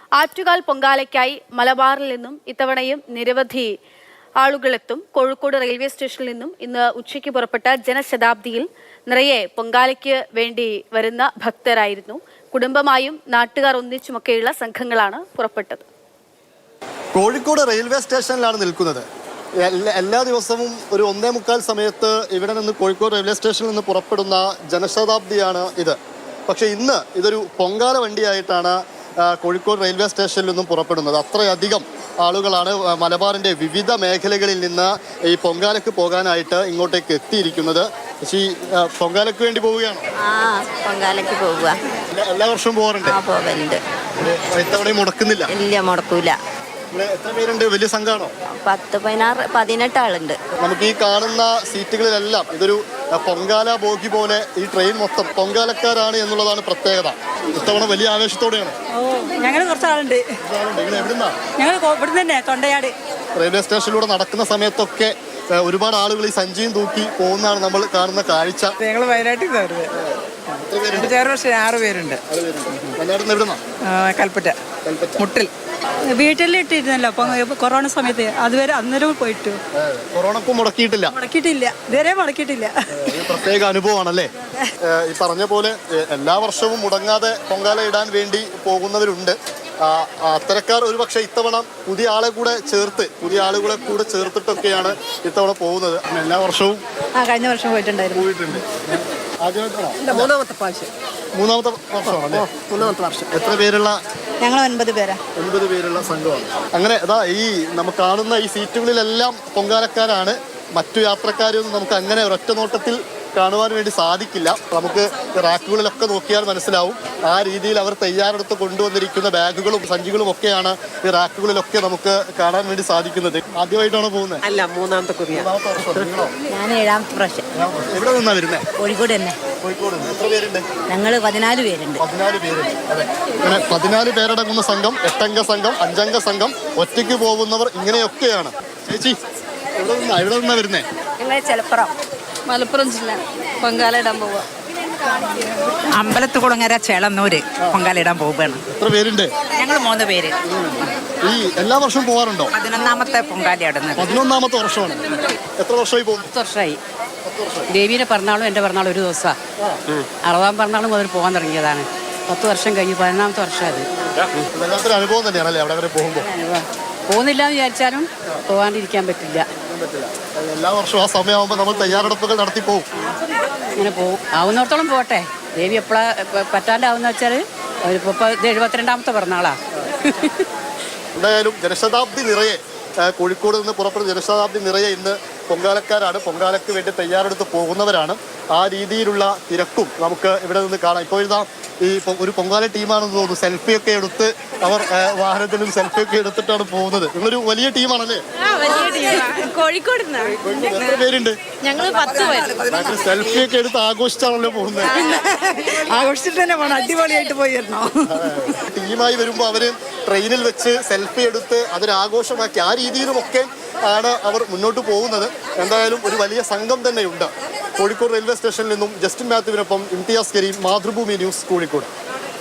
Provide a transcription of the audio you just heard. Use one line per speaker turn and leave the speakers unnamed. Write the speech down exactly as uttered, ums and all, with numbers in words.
ആറ്റുകാൽ പൊങ്കാലയ്ക്കായി മലബാറിൽ നിന്നും ഇത്തവണയും നിരവധി ആളുകളെത്തും. കോഴിക്കോട് റെയിൽവേ സ്റ്റേഷനിൽ നിന്നും ഇന്ന് ഉച്ചയ്ക്ക് പുറപ്പെട്ട ജനശതാബ്ദിയിൽ നിറയെ പൊങ്കാലയ്ക്ക് വേണ്ടി വരുന്ന ഭക്തരായിരുന്നു. കുടുംബമായും നാട്ടുകാർ ഒന്നിച്ചുമൊക്കെയുള്ള സംഘങ്ങളാണ് പുറപ്പെട്ടത്.
കോഴിക്കോട് റെയിൽവേ സ്റ്റേഷനിലാണ് നിൽക്കുന്നത്. എല്ലാ ദിവസവും ഒരു ഒന്നേ മുക്കാൽ സമയത്ത് ഇവിടെ നിന്ന് കോഴിക്കോട് റെയിൽവേ സ്റ്റേഷനിൽ നിന്ന് പുറപ്പെടുന്ന ജനശതാബ്ദിയാണ് ഇത്. പക്ഷേ ഇന്ന് ഇതൊരു പൊങ്കാല വണ്ടിയായിട്ടാണ് കോഴിക്കോട് റെയിൽവേ സ്റ്റേഷനിൽ നിന്നും പുറപ്പെടുന്നത്. അത്രയധികം ആളുകളാണ് മലബാറിൻ്റെ വിവിധ മേഖലകളിൽ നിന്ന് ഈ പൊങ്കാലയ്ക്ക് പോകാനായിട്ട് ഇങ്ങോട്ടേക്ക് എത്തിയിരിക്കുന്നത്. ഈ പൊങ്കാലയ്ക്ക് വേണ്ടി പോവുകയാണോ?
പൊങ്കാലയ്ക്ക് പോവുക.
എല്ലാ വർഷവും പോകാറുണ്ട്?
പോകലുണ്ട്.
ഇത്തവണയും മുടക്കുന്നില്ല?
ഇല്ല, മുടക്കൂല.
എത്ര പേരുണ്ട്? വലിയ സംഘമാണോ?
പത്ത് പതിനാറ് പതിനെട്ട് ആളുണ്ട്.
നമുക്ക് ഈ കാണുന്ന സീറ്റുകളിലെല്ലാം ഇതൊരു പൊങ്കാല ബോഗി പോലെ ഈ ട്രെയിൻ മൊത്തം പൊങ്കാലക്കാരാണ് എന്നുള്ളതാണ് പ്രത്യേകത. ഇത്തവണ വലിയ ആവേശത്തോടെയാണ്.
ഞങ്ങൾ കുറച്ചാളുണ്ട്. ഞങ്ങൾ ഇവിടെ തന്നെ തൊണ്ടയാട്
റെയിൽവേ സ്റ്റേഷനിലൂടെ നടക്കുന്ന സമയത്തൊക്കെ ഒരുപാട് ആളുകൾ ഈ സഞ്ചിയും തൂക്കി പോകുന്നതാണ് നമ്മൾ കാണുന്ന കാഴ്ച.
ഞങ്ങൾ വയനാട്ടിൽ ആറ് പേരുണ്ട്. കൽപ്പറ്റ മുട്ടിൽ വീട്ടിലിട്ടിരുന്നല്ലോ അപ്പൊ കൊറോണ സമയത്ത്. അതുവരെ അന്നേരം പോയിട്ട്
കൊറോണക്കും മുടക്കിയിട്ടില്ല
മുടക്കിയിട്ടില്ല ഇതുവരെ മുടക്കിയിട്ടില്ല.
പ്രത്യേക അനുഭവമാണല്ലേ? ഈ പറഞ്ഞ പോലെ എല്ലാ വർഷവും മുടങ്ങാതെ പൊങ്കാല ഇടാൻ വേണ്ടി പോകുന്നവരുണ്ട്. അത്തരക്കാർ ഒരുപക്ഷെ ഇത്തവണ പുതിയ ആളെ കൂടെ ചേർത്ത് പുതിയ ആളുകളെ കൂടെ ചേർത്തിട്ടൊക്കെയാണ് ഇത്തവണ പോകുന്നത്. എല്ലാ വർഷവും
കഴിഞ്ഞ വർഷം പോയിട്ടുണ്ടായിരുന്നു.
പോയിട്ടുണ്ട്.
മൂന്നാമത്തെ പ്രാവശ്യം
മൂന്നാമത്തെ വർഷമാണല്ലേ?
മൂന്നാമത്തെ വർഷം.
എത്ര പേരുള്ള?
ഞങ്ങൾ ഒൻപത് പേരാ.
ഒൻപത് പേരുള്ള സംഘമാണ്. അങ്ങനെ അതാ ഈ നമുക്ക് കാണുന്ന ഈ സീറ്റുകളിലെല്ലാം പൊങ്കാലക്കാരാണ്. മറ്റു യാത്രക്കാരൊന്നും നമുക്ക് അങ്ങനെ ഒരൊറ്റ നോട്ടത്തിൽ കാണുവാൻ വേണ്ടി സാധിക്കില്ല. നമുക്ക് റാക്കുകളിലൊക്കെ നോക്കിയാൽ മനസ്സിലാവും. ആ രീതിയിൽ അവർ തയ്യാറെടുത്ത് കൊണ്ടുവന്നിരിക്കുന്ന ബാഗുകളും സഞ്ചികളും ഒക്കെയാണ് ഈ റാക്കുകളിലൊക്കെ നമുക്ക് കാണാൻ വേണ്ടി സാധിക്കുന്നത്. ആദ്യമായിട്ടാണോ പോകുന്നത്?
അല്ല, മൂന്നാമത്തെ കുറിയ.
ഞാൻ ഏഴാമത്തെ പ്രാവശ്യം.
എവിടെ നിന്നാ വരുന്നത്?
കോഴിക്കോട് തന്നെ.
കോഴിക്കോട്. എത്ര പേരുണ്ട്?
ഞങ്ങൾ പതിനാല് പേരുണ്ട്.
പതിനാല് പേരുണ്ട്. അതെ, അങ്ങനെ പതിനാല് പേരടങ്ങുന്ന സംഘം, എട്ടംഗ സംഘം, അഞ്ചംഗ സംഘം, ഒറ്റയ്ക്ക് പോകുന്നവർ, ഇങ്ങനെയൊക്കെയാണ്. ചേച്ചി എവിടെ നിന്നാ എവിടെ നിന്നാ വരുന്നേ?
ചെലപ്പുറം,
മലപ്പുറം ജില്ല. പൊങ്കാല ഇടാൻ പോവാ.
അമ്പലത്തുകുളങ്ങര ചേളന്നൂര് പൊങ്കാല ഇടാൻ പോവുകയാണ്.
എത്ര പേരുണ്ട്?
ഞങ്ങൾ മൂന്ന് പേര്.
ഈ എല്ലാ വർഷവും പോകാറുണ്ടോ?
പതിനൊന്നാമത്തെ പൊങ്കാല ഇടുന്നത്.
പതിനൊന്നാമത്തെ വർഷമാണ്. എത്ര വർഷമായി പോകും?
പത്ത് വർഷമായി. ദേവീൻ്റെ പിറന്നാളും എൻ്റെ പിറന്നാളും ഒരു ദിവസമാണ്. അറുപതാം പിറന്നാളും മുതൽ പോകാൻ തുടങ്ങിയതാണ്. പത്ത് വർഷം കഴിഞ്ഞ് പതിനൊന്നാമത്തെ വർഷം അത്.
വല്ലാത്തൊരു അനുഭവം തന്നെയാണല്ലേ അവിടെ വരെ പോകുമ്പോൾ?
പോകുന്നില്ല എന്ന് വിചാരിച്ചാലും പോകാണ്ടിരിക്കാൻ പറ്റില്ല.
എല്ലാ വർഷവും ആ സമയമാകുമ്പോൾ നമ്മൾ തയ്യാറെടുപ്പുകൾ നടത്തി പോകും.
ഇങ്ങനെ പോകും. ആവുന്നിടത്തോളം പോട്ടെ. ദേവി എപ്പോഴാ പറ്റാണ്ടാവുന്ന വെച്ചാൽ ഇപ്പോൾ ഇത് എഴുപത്തിരണ്ടാമത്തെ പിറന്നാളാണ്.
എന്തായാലും ജനശതാബ്ദി നിറയെ കോഴിക്കോട് നിന്ന് പുറപ്പെടുന്ന ജനശതാബ്ദി നിറയെ ഇന്ന് പൊങ്കാലക്കാരാണ്. പൊങ്കാലയ്ക്ക് വേണ്ടി തയ്യാറെടുത്ത് പോകുന്നവരാണ്. ആ രീതിയിലുള്ള തിരക്കും നമുക്ക് ഇവിടെ നിന്ന് കാണാം. ഇപ്പോൾ ഇതാ ഈ ഒരു പൊങ്കാല ടീമാണെന്ന് തോന്നുന്നു. സെൽഫിയൊക്കെ എടുത്ത് അവർ വാഹനത്തിലും സെൽഫിയൊക്കെ എടുത്തിട്ടാണ് പോകുന്നത്. നിങ്ങളൊരു വലിയ ടീമാണല്ലേ?
കോഴിക്കോട്.
എത്ര പേരുണ്ട്?
ഞങ്ങൾ പത്ത് പേര്.
സെൽഫിയൊക്കെ എടുത്ത് ആഘോഷിച്ചാണല്ലോ പോകുന്നത്.
ആഘോഷിച്ചിട്ട് തന്നെ പോകണം. അടിപൊളിയായിട്ട് പോയി വരണോ?
ടീമായി വരുമ്പോൾ അവര് ട്രെയിനിൽ വെച്ച് സെൽഫി എടുത്ത് അതൊരാഘോഷമാക്കി ആ രീതിയിലുമൊക്കെ ആണ് അവർ മുന്നോട്ട് പോകുന്നത്. എന്തായാലും ഒരു വലിയ സംഘം തന്നെയുണ്ട്. കോഴിക്കോട് റെയിൽവേ സ്റ്റേഷനിൽ നിന്നും ജസ്റ്റിൻ മാത്യുവിനൊപ്പം ഇംതിയാസ് കരീം, മാതൃഭൂമി ന്യൂസ്, കോഴിക്കോട്.